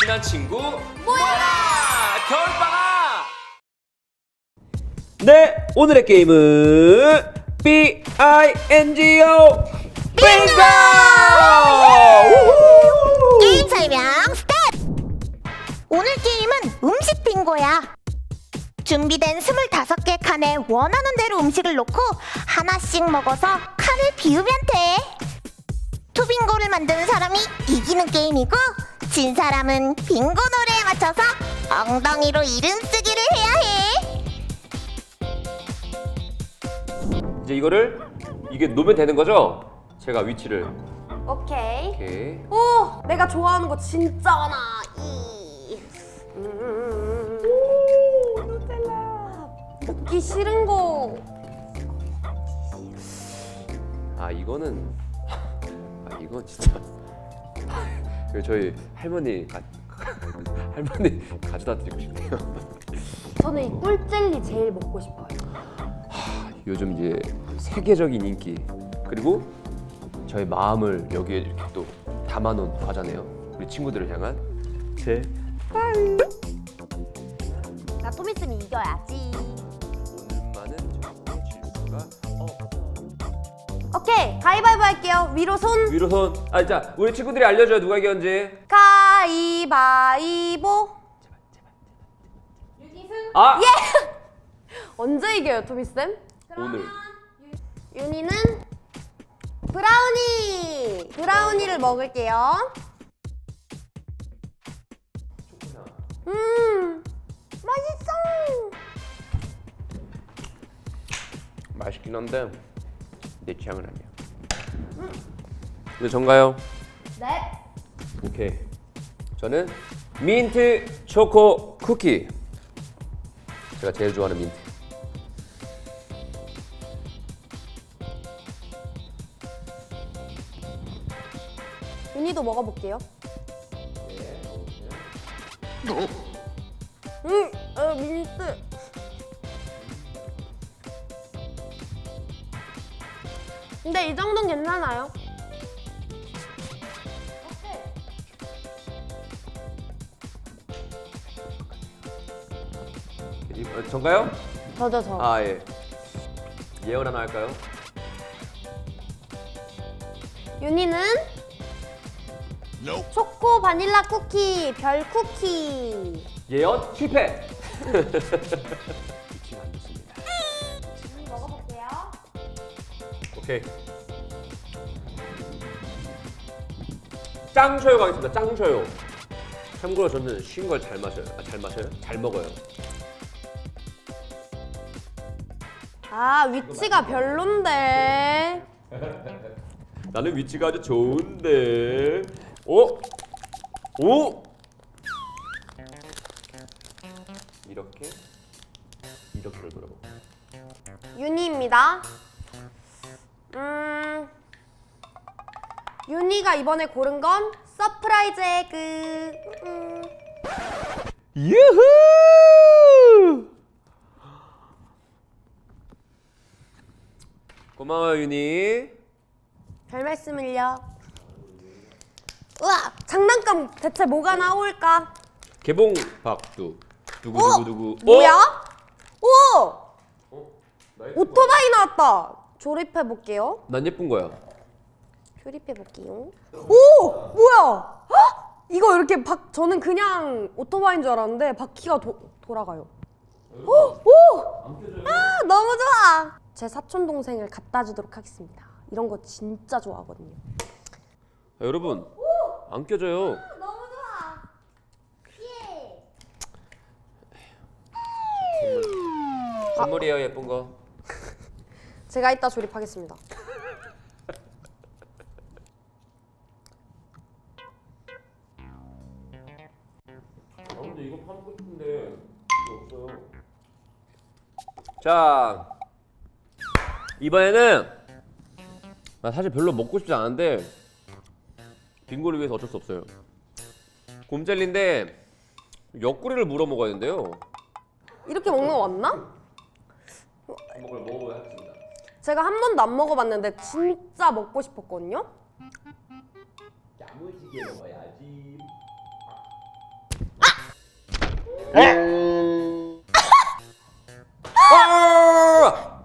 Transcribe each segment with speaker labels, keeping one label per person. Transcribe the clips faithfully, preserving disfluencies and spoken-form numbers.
Speaker 1: 친한 친구 모여라! 겨울방학! 네, 오늘의 게임은 비 아이 엔 지 오 빙고!
Speaker 2: 게임 설명 스타트! 오늘 게임은 음식 빙고야. 준비된 스물다섯 개 칸에 원하는 대로 음식을 놓고 하나씩 먹어서 칸을 비우면 돼. 투빙고를 만드는 사람이 이기는 게임이고, 진 사람은 빙고 노래에 맞춰서 엉덩이로 이름 쓰기를 해야 해.
Speaker 1: 이제 이거를 이게 놓으면 되는 거죠? 제가 위치를
Speaker 3: 오케이.
Speaker 1: 이렇게.
Speaker 3: 오, 내가 좋아하는 거 진짜 많아. 이. 음. 오, 누텔라. 먹기 싫은 거.
Speaker 1: 아 이거는 아 이거 진짜 그 저희 할머니 가, 할머니 가져다 드리고 싶네요.
Speaker 3: 저는 이 꿀젤리 제일 먹고 싶어요.
Speaker 1: 요즘 이제 세계적인 인기 그리고 저의 마음을 여기에 이렇게 또 담아놓은 과자네요. 우리 친구들을 향한 제
Speaker 3: 나 좀 있으면 이겨야지.
Speaker 1: 오늘만은 절대 질 수가 없어.
Speaker 3: 오케이, 가위바위보 할게요. 위로 손.
Speaker 1: 위로 손. 아, 자, 우리 친구들이 알려줘요. 누가 이겼는지.
Speaker 3: 가위바위보.
Speaker 1: 아!
Speaker 3: 예! 언제 이겨요, 토미쌤?
Speaker 1: 오늘.
Speaker 3: 윤희는 브라우니! 브라우니를 먹을게요. 음, 맛있어!
Speaker 1: 맛있긴 한데 내 취향은 아니야. 근데 전가요?
Speaker 3: 네.
Speaker 1: 오케이. 저는 민트 초코 쿠키. 제가 제일 좋아하는 민트.
Speaker 3: 윤희도 먹어볼게요. 음, 어, 민트. 근데 이 정도는 괜찮아요.
Speaker 1: 이- 어, 전가요?
Speaker 3: 저죠, 저.
Speaker 1: 아 예. 예언 하나 할까요?
Speaker 3: 윤희는 초코 바닐라 쿠키, 별 쿠키.
Speaker 1: 예언 실패. 위치가 안 좋습니다.
Speaker 3: 먹어볼게요.
Speaker 1: 오케이. 짱쇼요 가겠습니다. 짱쇼요. 참고로 저는 신 걸 잘 마셔요. 아, 잘 마셔요? 잘 먹어요.
Speaker 3: 아, 위치가 별론데.
Speaker 1: 나는 위치가 아주 좋은데. 오, 오. 이렇게 이렇게를 돌아보고.
Speaker 3: 윤희입니다. 음, 윤희가 이번에 고른 건 서프라이즈 에그. 음.
Speaker 1: 유후! 고마워요 윤희.
Speaker 3: 별 말씀을요. 우와, 장난감 대체 뭐가 나올까?
Speaker 1: 개봉 박두. 누구
Speaker 3: 어?
Speaker 1: 누구 누구.
Speaker 3: 뭐야? 오!
Speaker 1: 어? 나 예쁜 거야?
Speaker 3: 오토바이 나왔다. 조립해 볼게요.
Speaker 1: 난 예쁜 거야.
Speaker 3: 조립해 볼게요. 오! 뭐야? 헉! 이거 이렇게 바, 저는 그냥 오토바이인 줄 알았는데 바퀴가 도, 돌아가요. 오! 오! 아, 너무 좋아. 제 사촌 동생을 갖다 주도록 하겠습니다. 이런 거 진짜 좋아하거든요.
Speaker 1: 아, 여러분 안 껴져요.
Speaker 3: 너무 좋아. 예.
Speaker 1: 선물이에요 예쁜 거.
Speaker 3: 제가 이따 조립하겠습니다.
Speaker 1: 아 근데 이거 팔고 싶은데 이거 없어요. 자 이번에는 나 사실 별로 먹고 싶지 않은데 빙고를 위해서 어쩔 수 없어요. 곰젤리인데 옆구리를 물어 먹어야 된대요.
Speaker 3: 이렇게 먹는 거 맞나?
Speaker 1: 한번 먹어보야 하겠습니다.
Speaker 3: 제가 한 번도 안 먹어봤는데 진짜 먹고 싶었거든요.
Speaker 1: 야무지게 먹어야지. 아!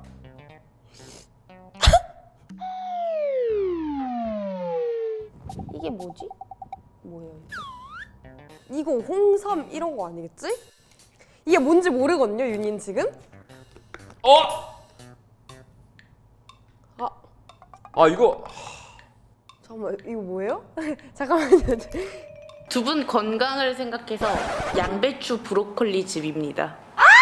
Speaker 3: 이게 뭐지? 뭐예요 이게? 이거 홍삼 이런 거 아니겠지? 이게 뭔지 모르거든요 윤인 지금?
Speaker 1: 어?
Speaker 3: 아
Speaker 1: 아 이거
Speaker 3: 잠깐만 이거 뭐예요? 잠깐만요.
Speaker 4: 두 분 건강을 생각해서 양배추 브로콜리 즙입니다.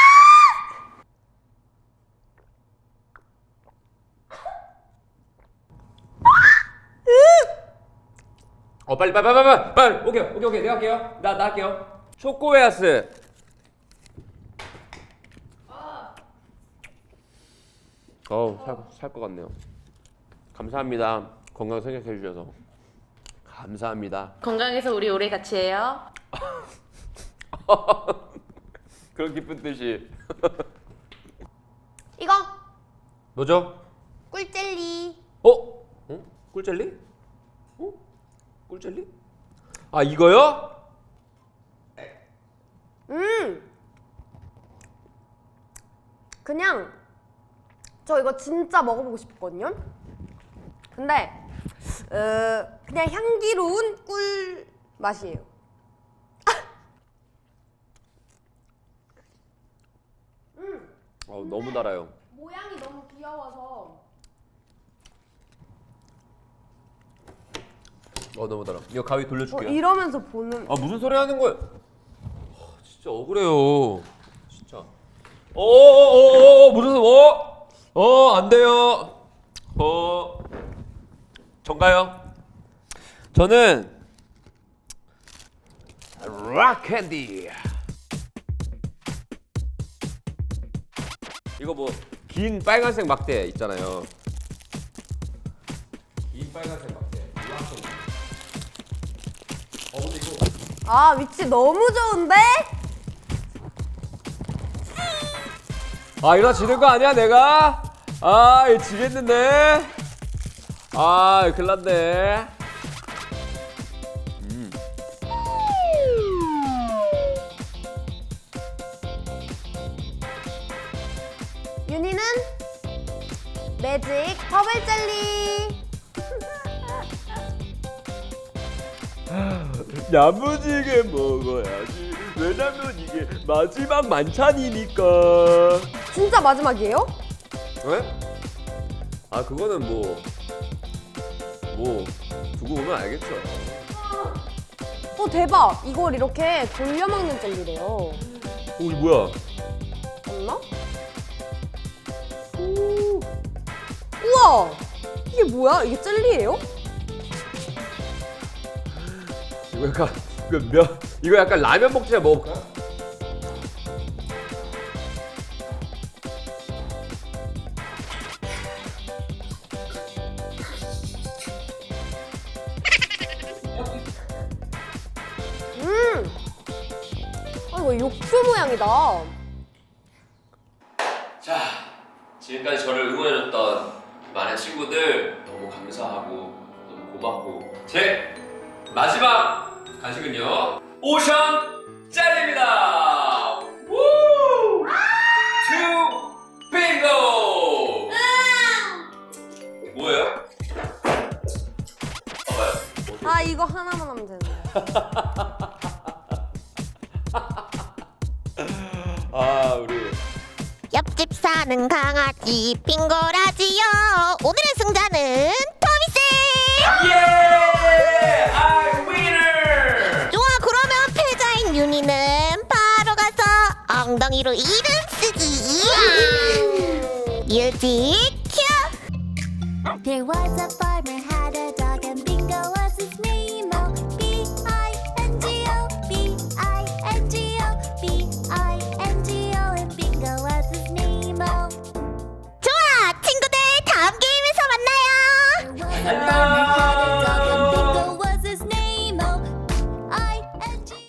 Speaker 1: 어 빨리 빨리 빨리 빨리 빨리 오케이 오케이 오케이 내가 할게요. 나 나 할게요. 초코웨하스. 어우 살살 것 같네요. 감사합니다. 건강 생각해 주셔서 감사합니다.
Speaker 4: 건강해서 우리 오래 같이 해요.
Speaker 1: 그런 기쁜 뜻이.
Speaker 3: 이거
Speaker 1: 뭐죠?
Speaker 3: 꿀젤리.
Speaker 1: 어? 어? 꿀젤리? 어? 꿀젤리? 아 이거요?
Speaker 3: 음 그냥 저 이거 진짜 먹어보고 싶거든요. 근데 어, 그냥 향기로운 꿀 맛이에요.
Speaker 1: 어 너무 달아요.
Speaker 3: 모양이 너무 귀여워서.
Speaker 1: 어 너무 달아. 이거 가위
Speaker 3: 어,
Speaker 1: 돌려줄게요.
Speaker 3: 이러면서 보는.
Speaker 1: 아 무슨 소리 하는 거예요? 아, 진짜 억울해요. 진짜. 어어어어 무슨 어? 어 안 돼요. 어 전가요? 저는 락 캔디. 이거 뭐 긴 빨간색 막대 있잖아요. 긴 빨간색 막대. 락 캔디. 어 근데 이거.
Speaker 3: 아 위치 너무 좋은데?
Speaker 1: 아 이러다 지는 거 아니야 내가? 아 이거 지겠는데? 아 이거 큰일 났네. 음.
Speaker 3: 윤희는 매직 버블 젤리.
Speaker 1: 야무지게 먹어야지. 왜냐면 이게 마지막 만찬이니까.
Speaker 3: 진짜 마지막이에요?
Speaker 1: 왜? 아 그거는 뭐 뭐 두고 보면 알겠죠.
Speaker 3: 어 대박! 이걸 이렇게 돌려 먹는 젤리래요.
Speaker 1: 오 이 뭐야?
Speaker 3: 맞나? 오. 우와! 이게 뭐야? 이게 젤리예요?
Speaker 1: 이거 약간 이거 면 이거 약간 라면 먹지 먹을까?
Speaker 3: 음! 아 이거 육수 모양이다.
Speaker 1: 자, 지금까지 저를 응원해줬던 많은 친구들 너무 감사하고 너무 고맙고 제 마지막 간식은요 오션 젤리입니다. 우! 투 빙고. 뭐예요? 봐봐요.
Speaker 3: 아 이거 하나만 하면 되는데.
Speaker 1: 아 우리
Speaker 2: 옆집 사는 강아지 빙고라지요. 오늘의 승자는 토미쌤.
Speaker 1: 예! I winner!
Speaker 2: 좋아, 그러면 패자인 윤희는 바로 가서 엉덩이로 이름 쓰기. 뮤직 큐. There was a farmer